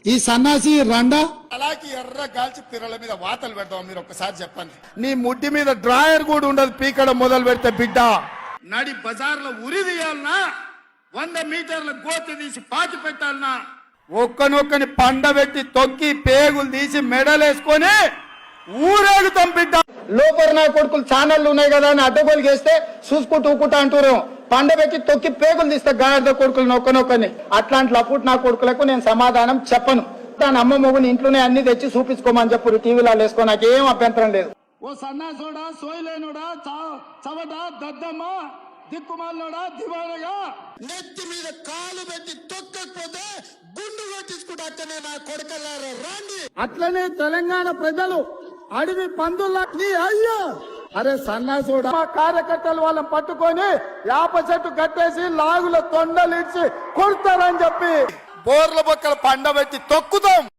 ఈ సన్నాసి రండా అలాగే ఎర్ర గాల్చి పిర్రల మీద వాతలు పెడతాం. మీరు ఒక్కసారి చెప్పండి. నీ ముడ్డి మీద డ్రాయర్ కూడా ఉండదు పీకడం మొదలు పెడితే బిడ్డ. నడి బజార్లో ఉరి తీయాలనా, 100 మీటర్ల గోతి తీసి పాతి పెట్టాలనా, ఒక్కనొక్కని పండబెట్టి తొక్కి పేగులు తీసి మెడలేసుకొని ఊరేగుతాం బిడ్డ. లోపల నా కొడుకులు ఛానళ్లు ఉన్నాయి కదా అని అడ్డగోలు చేస్తే చూసుకుంటూ ఊకుంటా అంటారు. పండబెట్టి తొక్కి పేగులు తీస్తే గాడిద కొడుకులు నొక్కనొక్కని. అట్లాంటి లపుట్ నా కొడుకులకు నేను సమాధానం చెప్పను. దాని అమ్మ మొగుని ఇంట్లోనే అన్ని తెచ్చి చూపించుకోమని చెప్పు, టీవీలో వేసుకో, నాకేం అభ్యంతరం లేదు. ఓ సన్నాసోడా, సోయిలేనుడా, చవట, దద్దమ్మ, దిక్కుమాలనోడా, దివానగా నెత్తి మీద కాలు పెట్టి తొక్కకపోతే గుండు కొట్టించుకుంటే నా కొడుకల్లారా రండి. అట్లనే తెలంగాణ ప్రజలు అడవి పందుల్ని అయ్యో అరే సన్నాసుడా, మా కార్యకర్తలు వాళ్ళని పట్టుకొని యాప చెట్టు కట్టేసి లాగుల తొండలిడ్చి కొడతారని చెప్పి బోర్ల బొక్కలు పండబెట్టి తొక్కుతాం.